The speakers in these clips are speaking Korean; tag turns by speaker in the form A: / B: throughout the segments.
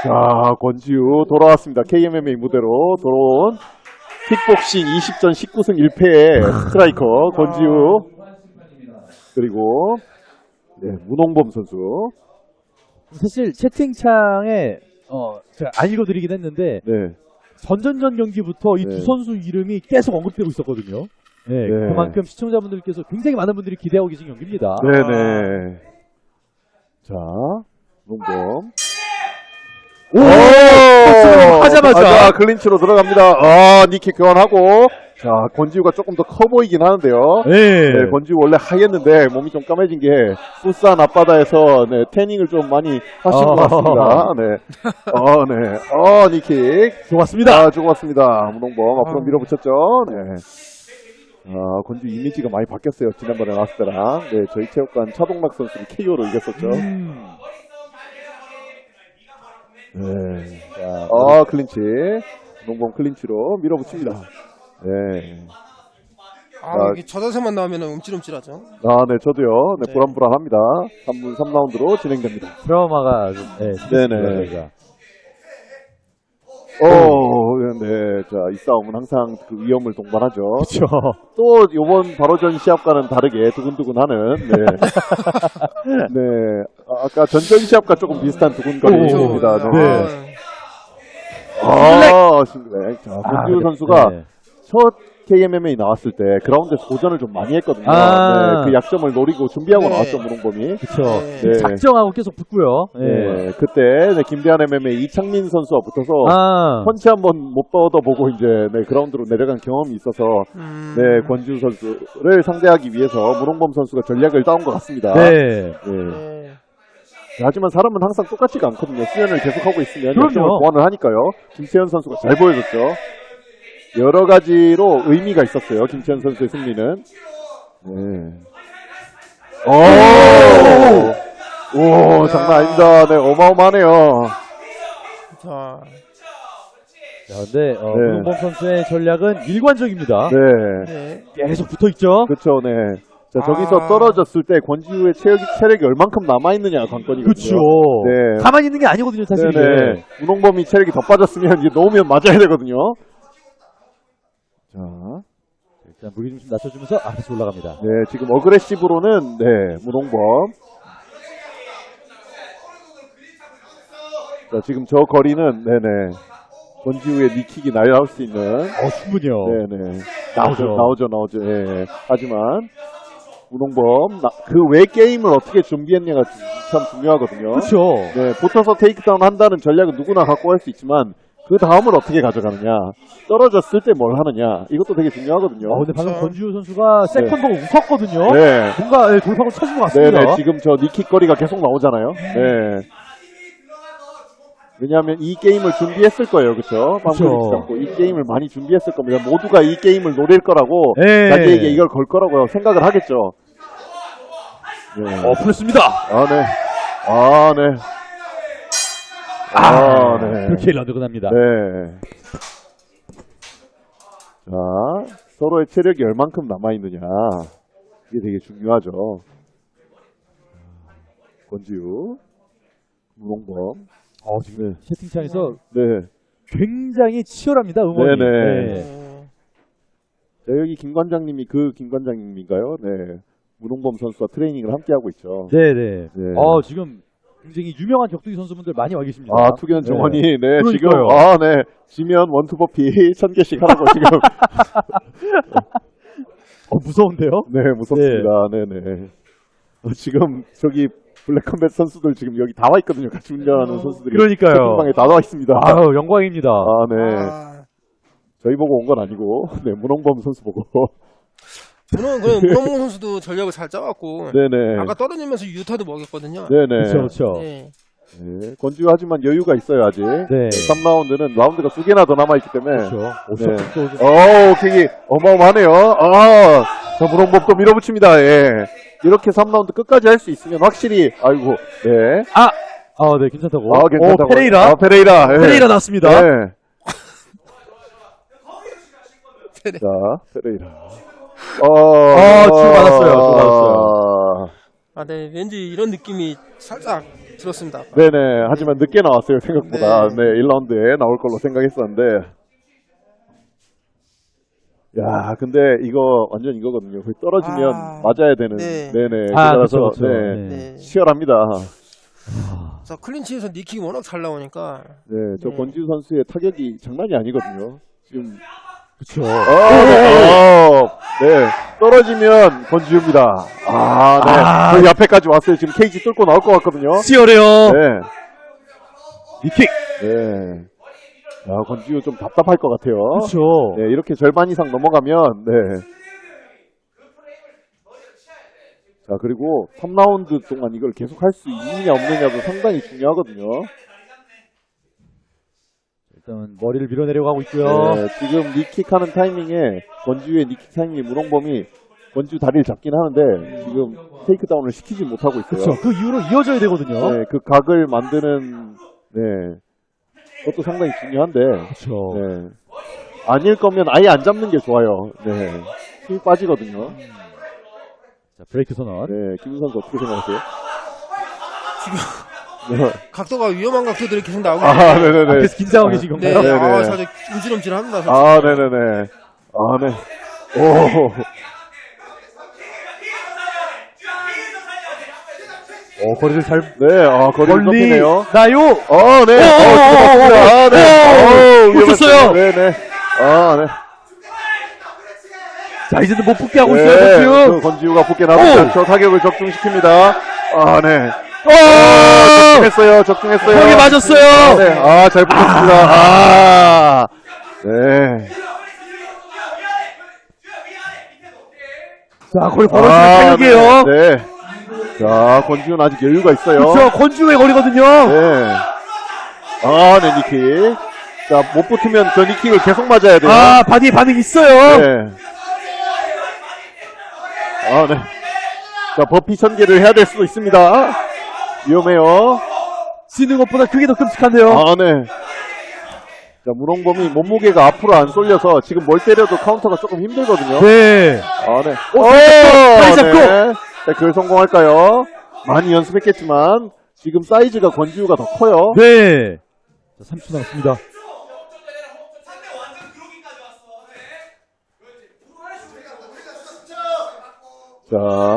A: 자, 권지우 돌아왔습니다. KMMA 무대로 돌아온 킥복싱 20전 19승 1패의 스트라이커 권지우. 그리고 네, 문홍범 선수.
B: 사실 채팅창에 제가 안 읽어드리긴 했는데
A: 네.
B: 전전전 경기부터 이 두
A: 네.
B: 선수 이름이 계속 언급되고 있었거든요. 네,
A: 네.
B: 그만큼 시청자분들께서 굉장히 많은 분들이 기대하고 계신 경기입니다.
A: 네네. 자, 문홍범.
B: 오! 하자마자
A: 클린치로 들어갑니다. 니킥 교환하고. 자, 권지우가 조금 더 커 보이긴 하는데요.
B: 네.
A: 네, 권지우 원래 하였는데 몸이 좀 까매진 게 푸스한 앞바다에서 네, 태닝을 좀 많이 하신 것 같습니다. 네. 네. 니킥.
B: 좋았습니다.
A: 좋았습니다. 문홍범 앞으로 밀어붙였죠. 네. 권지우 이미지가 많이 바뀌었어요. 지난번에 나왔을 때랑. 네, 저희 체육관 차동락 선수를 KO로 이겼었죠. 네. 자, 클린치. 문홍범 클린치로 밀어붙입니다. 네.
C: 이게 저 자세만 나오면 움찔움찔하죠.
A: 네, 저도요. 네,
C: 네.
A: 불안불안합니다. 3분 3라운드로 진행됩니다.
B: 트라우마가 좀,
A: 네네.
B: 저희가.
A: 네. 자, 이 싸움은 항상 그 위험을 동반하죠.
B: 그렇죠.
A: 또, 요번 바로 전 시합과는 다르게 두근두근하는, 네. 네. 아까 전전 시합과 조금 비슷한 두근거림입니다. 네. 싱글렉. 자, 권지우 선수가
B: 네.
A: 첫 KMMA 나왔을 때 그라운드에서 도전을 좀 많이 했거든요.
B: 아.
A: 네, 그 약점을 노리고 준비하고
C: 네.
A: 나왔죠, 문홍범이.
B: 그렇죠.
A: 네.
B: 작정하고 계속 붙고요.
A: 네, 그때 네, 김대한 MMA 이창민 선수와 붙어서 펀치 한번 못 뻗어보고 이제 네, 그라운드로 내려간 경험이 있어서 네, 권지우 선수를 상대하기 위해서 문홍범 선수가 전략을 따온 것 같습니다.
B: 네.
A: 네. 하지만 사람은 항상 똑같지가 않거든요. 수련을 계속하고 있으면
B: 그럼요.
A: 약점을 보완을 하니까요. 김채현 선수가 잘 보여줬죠. 여러 가지로 의미가 있었어요. 김채현 선수의 승리는. 네. 오, 장난 아닙니다. 네, 어마어마하네요.
C: 자,
B: 근데 문홍범 선수의 전략은 일관적입니다.
A: 네.
C: 네.
B: 계속 붙어 있죠.
A: 그렇죠, 네. 자, 저기서 떨어졌을 때 권지우의 체력이 얼만큼 남아있느냐가 관건이거든요.
B: 그렇죠.
A: 네.
B: 가만히 있는 게 아니거든요, 사실.
A: 네네. 문홍범이 체력이 더 빠졌으면 이제 놓으면 맞아야 되거든요. 자.
B: 일단 무게중심 낮춰주면서 아래서 올라갑니다.
A: 네, 지금 어그레시브로는, 네, 문홍범. 자, 지금 저 거리는, 네네. 권지우의 니킥이 날아올 수 있는.
B: 충분히요.
A: 네네.
B: 나오죠.
A: 나오죠. 예. 하지만, 문홍범, 그 외 게임을 어떻게 준비했냐가 참 중요하거든요.
B: 그렇죠.
A: 네, 붙어서 테이크다운 한다는 전략은 누구나 갖고 갈 수 있지만, 그 다음을 어떻게 가져가느냐, 떨어졌을 때 뭘 하느냐, 이것도 되게 중요하거든요.
B: 근데 방금 권지우 선수가 세컨 보고 웃었거든요.
A: 네.
B: 뭔가 돌파구 쳐준 것 같습니다.
A: 네네, 지금 저 니킥 거리가 계속 나오잖아요. 네. 왜냐하면 이 게임을 준비했을 거예요, 그렇죠? 방금 이 게임을 많이 준비했을 겁니다. 모두가 이 게임을 노릴 거라고
B: 네.
A: 자기에게 이걸 걸 거라고 생각을 하겠죠. 네.
B: 풀렸습니다.
A: 네. 네.
B: 그렇게 라운드가 납니다.
A: 네. 자, 서로의 체력이 얼만큼 남아있느냐. 이게 되게 중요하죠. 권지우, 문홍범.
B: 지금 채팅창에서
A: 네.
B: 굉장히 치열합니다, 응원이.
A: 네네.
C: 네.
A: 자, 여기 김 관장님이 그 김 관장님인가요? 네. 문홍범 선수와 트레이닝을 함께 하고 있죠.
B: 네네.
A: 네.
B: 지금 굉장히 유명한 격투기 선수분들 많이 와 계십니다.
A: 투견 정원이, 네,
B: 그러니까요.
A: 지금, 네, 지면 원투버피 1000개씩 하라고 지금.
B: 무서운데요?
A: 네, 무섭습니다. 네네. 지금, 저기, 블랙컴뱃 선수들 지금 여기 다 와 있거든요. 같이 운전하는 선수들이.
B: 그러니까요.
A: 채팅방에 다 나와 있습니다.
B: 영광입니다.
A: 네. 저희 보고 온 건 아니고, 네, 문홍범 선수 보고.
C: 문홍범 선수도 전략을 잘 짜갖고.
A: 네네.
C: 아까 떨어지면서 유타도 먹였거든요.
A: 네네.
B: 그렇죠.
C: 네.
A: 네, 권지우 하지만 여유가 있어요, 아직.
B: 네.
A: 3라운드는 라운드가 2개나 더 남아있기 때문에.
B: 그렇죠.
A: 네. 킥이 어마어마하네요. 자, 문홍범 또 밀어붙입니다. 예. 이렇게 3라운드 끝까지 할 수 있으면 확실히, 네.
B: 네, 괜찮다고.
A: 괜찮다고.
B: 페레이라.
A: 페레이라. 예.
B: 페레이라 나왔습니다.
A: 네. 자, 페레이라.
B: 주고받았어요.
C: 네, 왠지 이런 느낌이 살짝 들었습니다.
A: 네네. 하지만 늦게 나왔어요, 생각보다.
C: 네.
A: 네, 1라운드에 나올 걸로 생각했었는데. 야, 근데 이거 완전 이거거든요. 거의 떨어지면 맞아야 되는.
C: 네.
A: 네네.
B: 그렇죠,
A: 그래서
B: 그렇죠.
A: 네.
C: 네.
A: 치열합니다.
C: 그래서 클린치에서 니킥이 워낙 잘 나오니까.
A: 네, 저 권지우 선수의 타격이 장난이 아니거든요. 지금
B: 그렇죠.
A: 네, 떨어지면 권지우입니다. 네, 거의 앞에까지 왔어요. 지금 케이지 뚫고 나올 것 같거든요.
B: 치열해요.
A: 네,
B: 니킥.
A: 네. 야, 권지우 좀 답답할 것 같아요.
B: 그렇죠.
A: 네, 이렇게 절반 이상 넘어가면, 네. 자, 그리고 3라운드 동안 이걸 계속 할 수 있느냐 없느냐도 상당히 중요하거든요.
B: 일단 머리를 밀어내려고 하고 있고요.
A: 네, 지금 니킥 하는 타이밍에 권지우의 니킥 타이밍에 문홍범이 권지우 다리를 잡긴 하는데 지금 테이크다운을 시키지 못하고 있어요.
B: 그렇죠. 그 이후로 이어져야 되거든요.
A: 네, 그 각을 만드는 네, 그것도 상당히 중요한데
B: 그렇죠.
A: 네, 아닐 거면 아예 안 잡는 게 좋아요. 네, 힘이 빠지거든요.
B: 자, 브레이크 선언.
A: 네, 김우 선수 어떻게 생각하세요?
C: 지금
A: 네.
C: 각도가 위험한 각도들이 계속 나오고
A: 네네네.
B: 앞에서 긴장하고 계신
C: 네,
B: 건가요?
A: 네네.
C: 살짝 움찔움찔합니다.
A: 네네네. 네. 오.
B: 거리를 잘
A: 네, 거리를
B: 멀리
A: 좁히네요.
B: 나요.
A: 네. 네.
B: 붙었어요.
A: 네네. 네.
B: 자, 이제는 못 붙게 하고
A: 네,
B: 있어요, 권지우.
A: 권지우가 붙게 나오죠. 저 타격을 적중시킵니다. 네. 적중했어요.
B: 벽에 맞았어요.
A: 네, 잘 붙었습니다. 네.
B: 자, 거리 벌어지는 타격이에요.
A: 네. 자, 권지우는 아직 여유가 있어요.
B: 그렇죠. 권지우의 거리거든요.
A: 네. 네, 니킥. 자, 못 붙으면 저 니킥을 계속 맞아야 돼요.
B: 바디에 반응이 있어요.
A: 네. 네. 자, 버피 전개를 해야 될 수도 있습니다. 위험해요.
B: 쓰는 것보다 그게 더 끔찍한데요.
A: 네. 자, 문홍범이 몸무게가 앞으로 안 쏠려서 지금 뭘 때려도 카운터가 조금 힘들거든요.
B: 네.
A: 네.
B: 다리 잡고.
A: 네. 자, 그걸 성공할까요? 많이 연습했겠지만 지금 사이즈가 권지우가 더 커요.
B: 네. 자, 30초 남았습니다.
A: 자,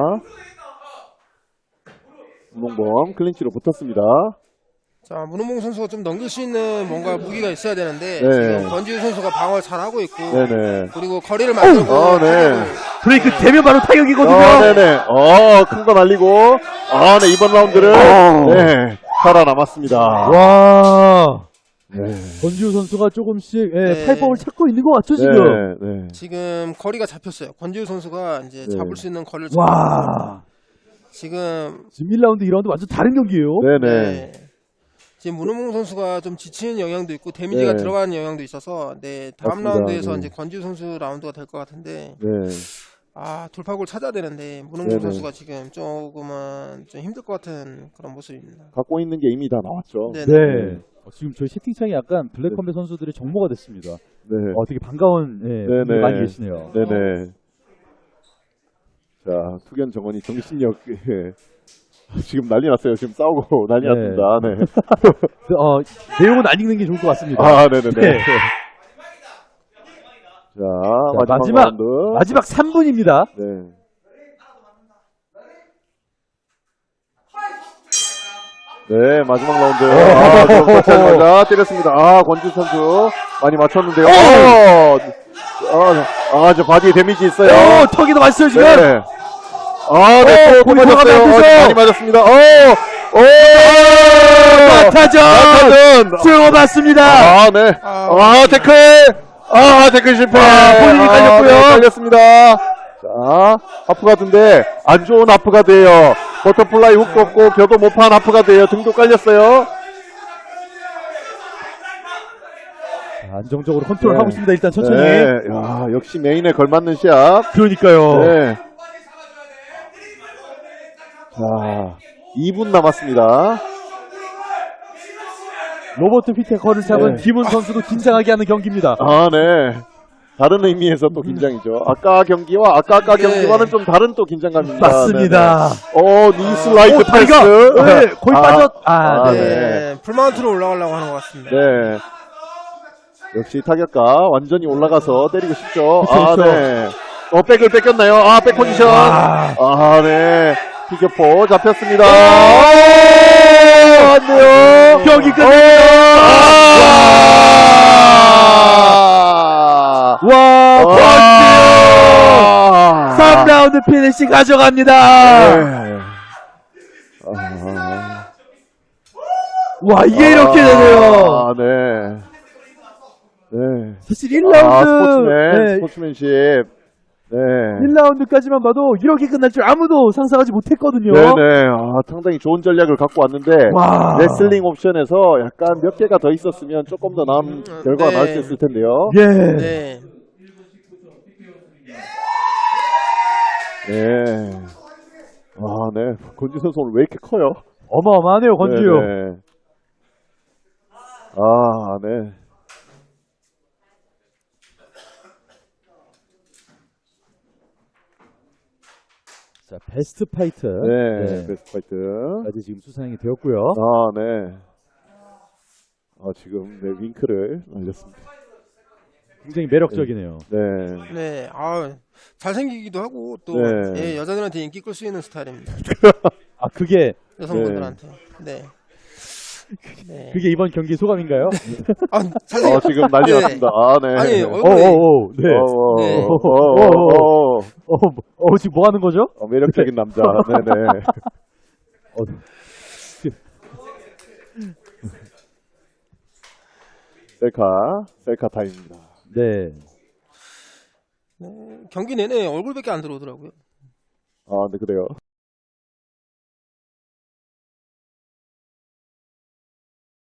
A: 문홍범 클린치로 붙었습니다.
C: 자, 문홍범 선수가 좀 넘길 수 있는 뭔가 무기가 있어야 되는데
A: 네.
C: 지금 권지우 선수가 방어를 잘하고 있고
A: 네네.
C: 그리고 거리를 만들고
A: 네.
B: 브레이크 되면 바로 타격이거든요.
A: 네네. 큰 거 날리고, 네, 이번 라운드를, 네, 살아남았습니다.
B: 와.
A: 네.
B: 권지우 선수가 조금씩
C: 네.
B: 탈법을 찾고 있는 것 같죠, 지금?
A: 네.
C: 지금 거리가 잡혔어요. 권지우 선수가 이제
A: 네.
C: 잡을 수 있는 거리를
B: 와.
C: 지금
B: 1라운드, 2라운드 완전 다른 경기예요.
A: 네네.
C: 지금 문홍범 선수가 좀 지치는 영향도 있고 데미지가
A: 네.
C: 들어가는 영향도 있어서 다음
A: 맞습니다.
C: 라운드에서
A: 네.
C: 이제 권지우 선수 라운드가 될 것 같은데
A: 네.
C: 돌파구를 찾아야 되는데 문홍범
A: 네네.
C: 선수가 지금 조금은 좀 힘들 것 같은 그런 모습입니다.
A: 갖고 있는 게 이미 다 나왔죠.
C: 네.
B: 네. 지금 저희 채팅창이 약간 블랙컴뱃 선수들의 정모가 됐습니다.
A: 네.
B: 되게 반가운 분들이 많이 계시네요.
A: 네네. 자, 투견 정원이 정신력, 지금 난리 났어요. 지금 싸우고 난리
B: 네.
A: 났습니다. 네.
B: 내용은 안 읽는 게 좋을 것 같습니다.
A: 네네네.
B: 네.
A: 자,
B: 마지막
A: 라운드.
B: 마지막 3분입니다.
A: 네. 네, 마지막 라운드. 맞아 때렸습니다. 권지우 선수 많이 맞췄는데요. 저 바디에 데미지 있어요.
B: 턱에도 맞았어요, 지금.
A: 네. 네, 또 맞았어요. 많이 맞았습니다.
B: 마타전 수영어 맞습니다.
A: 네. 태클. 태클 실패.
B: 본인이 깔렸고요.
A: 네, 깔렸습니다. 자, 하프가드인데 안 좋은 하프가드예요. 버터플라이 훅도 없고 벼도 못 판 하프가드예요. 등도 깔렸어요.
B: 안정적으로 컨트롤하고 있습니다. 일단 천천히.
A: 네. 역시 메인에 걸맞는 시합.
B: 그러니까요.
A: 네. 자, 2분 남았습니다.
B: 로버트 피테커를 잡은 김훈 선수도 긴장하게 하는 경기입니다.
A: 네. 다른 의미에서 또 긴장이죠. 아까 경기와 아까
C: 네.
A: 경기와는 좀 다른 또 긴장감입니다.
B: 맞습니다.
A: 니 슬라이드
B: 다리가
A: 패스.
B: 네, 거의 빠졌.
A: 아,
B: 네.
C: 네. 풀마운트로 올라가려고 하는 것 같습니다.
A: 네. 역시 타격가 완전히 올라가서 때리고 싶죠.
B: 그쵸.
A: 네. 백을 뺏겼나요? 백 포지션. 네. 피겨포 잡혔습니다. 안 돼요.
B: 경기 끝납니다. 와, 권지우 3라운드 피니시 가져갑니다.
A: 네.
B: 와, 이게 이렇게 되네요.
A: 네. 네.
B: 사실 1라운드
A: 스포츠맨십. 네.
B: 1라운드까지만 봐도 이렇게 끝날 줄 아무도 상상하지 못했거든요.
A: 네네. 상당히 좋은 전략을 갖고 왔는데,
B: 와.
A: 레슬링 옵션에서 약간 몇 개가 더 있었으면 조금 더 나은 결과가 나올 수 있을 텐데요.
B: 예.
C: 네.
A: 네. 네. 권지우 선수 오늘 왜 이렇게 커요?
B: 어마어마하네요, 권지우.
A: 네네. 네.
B: 자, 베스트 파이터.
A: 네. 베스트 파이트.
B: 까지 지금 수상이 되었고요.
A: 네. 지금 윙크를 날렸습니다.
B: 굉장히 매력적이네요.
A: 네.
C: 네. 잘생기기도 하고 또
A: 네.
C: 예, 여자들한테 인기 끌 수 있는 스타일입니다.
B: 그게
C: 여성분들한테. 네. 네.
B: 그게 이번 경기 소감인가요?
C: 사실
A: 지금 난리
C: 네.
A: 났습니다. 네.
C: 아니,
B: 네.
C: 네.
B: 지금 뭐 하는 거죠?
A: 매력적인 남자. 네네. 셀카 타임입니다.
B: 네.
C: 경기 내내 얼굴밖에 안 들어오더라고요.
A: 네, 그래요.